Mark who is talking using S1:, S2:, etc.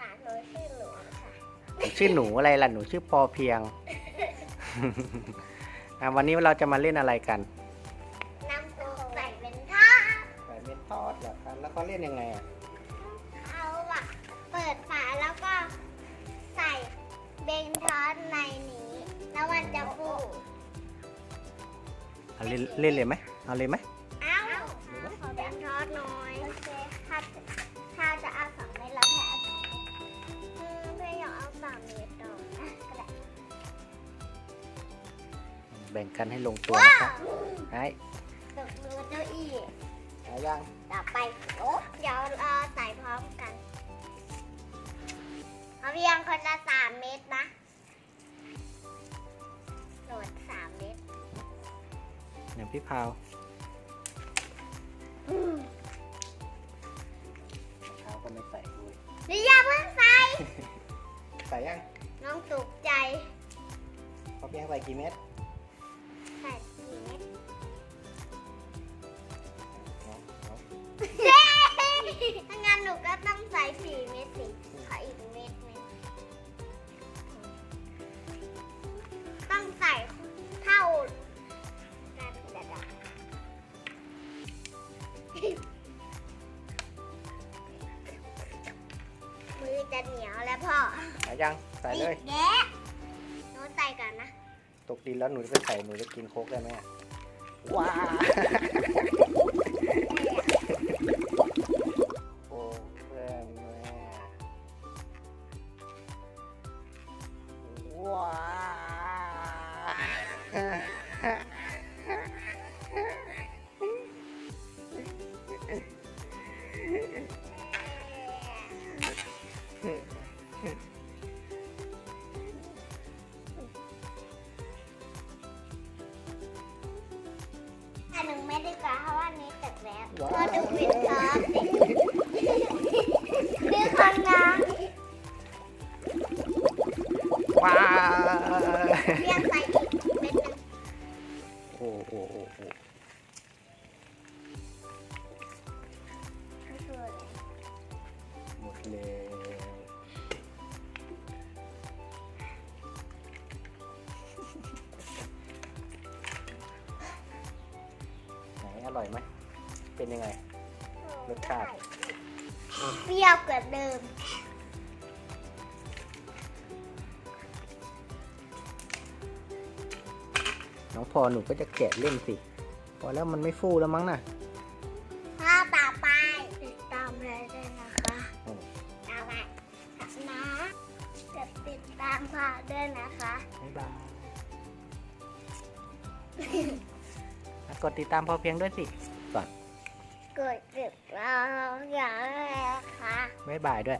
S1: ค่ะหนูชื่อหนูค่ะ
S2: ชื่อหนูอะไรล่ะหนูชื่อปอเพียง วันนี้เราจะมาเล่นอะไรกัน
S1: น้ำซุปใส่เป็นทอด
S2: ใส่เม็ดทอดเหรอครับแล้วเขาเล่นยังไงอ่ะ
S1: เอาอะเปิดฝาแล้วก็ใส่เบนทอดในนี้ แล้วมันจะฟู
S2: เอาเล่นเล่นเลยไหมเอาเลยไหม
S1: เอ้าขอเบนทอดหน่อยโอเคถ้าจะเอา2 เม็ดแล้วแค่เอา2 เม็ดเพื่ออยากเอา3 เม็ดต่ออ่ะก็ได้
S2: แบ่งกันให้ลงตัวนะครับไอ้
S1: ตกมือเจ้าอี้
S2: เอายัง
S1: ต่อไปโอ้เดี๋ยวเราใส่พร้อมกันเอาเพียงคนละ3 เม็ดนะโหลด3 เม็ด
S2: อย่างพี่พาวพาวก็ไม่ใส่ด้วย
S1: นี่อย่าเพิ่งใส่
S2: ใส่ยัง
S1: น้องตกใจ
S2: พอเพียงใส่กี่เม็ด
S1: ใส่4 เม็ด
S2: เอาเอา
S1: ถ้างั้นหนูก็ต้องใส่4 เม็ดสิขออีกเม็ดหนึงต้องใส่เท่ากันเดี๋ยวมือจะเหนียวแล้วพ่อ
S2: ใส่ยังใส่เลย
S1: แกะหนูใส่ก่อนนะ
S2: ตกดินแล้วหนูจะไปใส่หนูจะกินโค้กได้ไหมอะว้าโอ้เพื่อนแม่ว้า
S1: อันหนึ่งไม่ได้กว่าเพราะว่านี้เสร็จแล้ว
S2: ว้าว
S1: พอดูวินทอสนี่คนงาน
S2: ว้า
S1: เรียงใส่อีกเม็ดหนึง
S2: โอ้โอ้โอ้โอ้
S1: ไม่คืออะไร
S2: หมดเลยไหนอร่อยไหมเป็นยังไง รสชาติ
S1: เปรี้ยวกว่าเดิม
S2: น้องพอหนูก็จะแกะเล่นสิ พอแล้วมันไม่ฟูแล้วมั้งน่ะ
S1: ถ้าต่อไปติดตามเลยด้วยนะคะ
S2: อืม
S1: ต่อไปนะจะติดตามพ่อด้วยนะคะ
S2: บ๊ายบายอ่ะกดติดตามพอเพียงด้วยสิก่อน
S1: กดติดตามอย่างแรกค่ะ
S2: บ๊ายบายด้วย